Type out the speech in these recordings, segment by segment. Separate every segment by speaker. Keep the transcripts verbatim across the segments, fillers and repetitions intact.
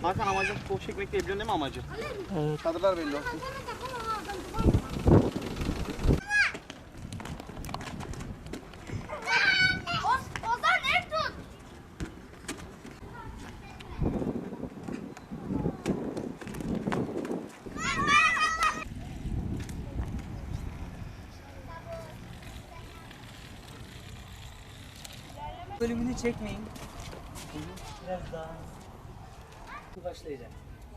Speaker 1: Hakan amacı futbol çekmek değil, biliyorsun değil mi amacı?
Speaker 2: Evet.
Speaker 1: Çadırlar belli olsun.
Speaker 3: Ozan ev tut.
Speaker 2: Bölümünü çekmeyin. Biraz daha başlayacak.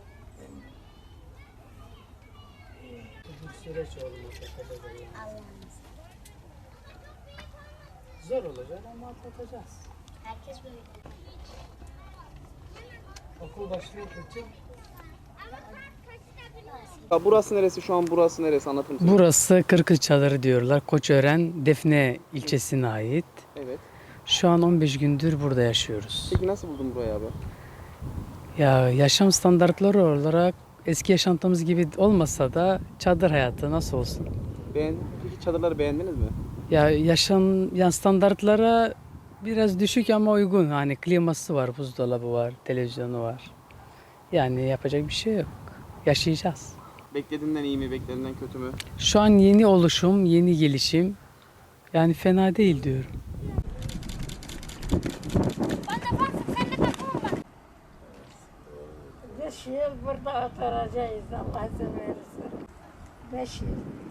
Speaker 2: Bu süreç olmasa kadar zor olacak ama atlatacağız.
Speaker 3: Herkes böyle.
Speaker 2: Okul başlıyor için.
Speaker 1: Ya burası neresi şu an, burası neresi, anlatır mısın?
Speaker 4: Burası Kırkız Çadırı diyorlar. Koçören, Defne ilçesine ait.
Speaker 1: Evet.
Speaker 4: Şu an on beş gündür burada yaşıyoruz.
Speaker 1: Peki nasıl buldun burayı abi?
Speaker 4: Ya yaşam standartları olarak eski yaşantımız gibi olmasa da çadır hayatı nasıl olsun?
Speaker 1: Beğendin. Peki çadırları beğendiniz mi?
Speaker 4: Ya yaşam ya standartlara biraz düşük ama uygun. Hani kliması var, buzdolabı var, televizyonu var. Yani yapacak bir şey yok. Yaşayacağız.
Speaker 1: Beklediğinden iyi mi, beklediğinden kötü mü?
Speaker 4: Şu an yeni oluşum, yeni gelişim. Yani fena değil diyorum.
Speaker 3: Ben de baksın sen de takımın bak.
Speaker 5: Beş yıl burada oturacağız Allah izin verirse. Beş yıl.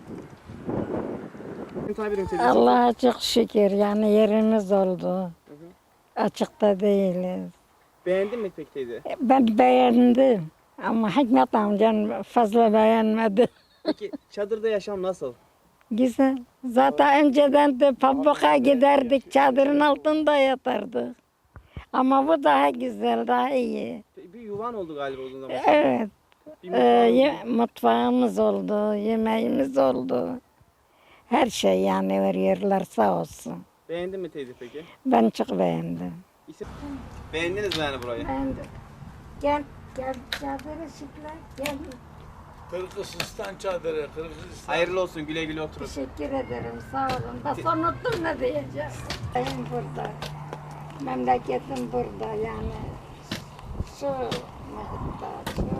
Speaker 1: Tabirim teyze.
Speaker 5: Allah'a çok şükür yani yerimiz oldu. Açıkta değiliz.
Speaker 1: Beğendin mi peki teyze?
Speaker 5: Ben beğendim ama Hikmet amcan fazla beğenmedi.
Speaker 1: Peki çadırda yaşam nasıl?
Speaker 5: Güzel. Zaten önceden de pabuka giderdik, çadırın altında yatardık. Ama bu daha güzel, daha iyi.
Speaker 1: Bir yuvan oldu galiba uzun zaman.
Speaker 5: Evet.
Speaker 1: Bir
Speaker 5: Ee,
Speaker 1: mutfağın
Speaker 5: ye- mutfağımız oldu, yemeğimiz oldu. Her şey yani veriyorlar sağ olsun.
Speaker 1: Beğendin mi teyze peki?
Speaker 5: Ben çok beğendim.
Speaker 1: İsim... Beğendiniz mi yani burayı?
Speaker 5: Beğendim. Gel, gel çadırı şıkla, gel.
Speaker 6: Kırgızistan çadırı, Kırgızistan.
Speaker 1: Hayırlı olsun, güle güle oturun.
Speaker 5: Teşekkür ederim, sağ olun. Bak unuttum ne diyeceğim. Benim burada. Memleketim burada yani. Şu muhittar, şu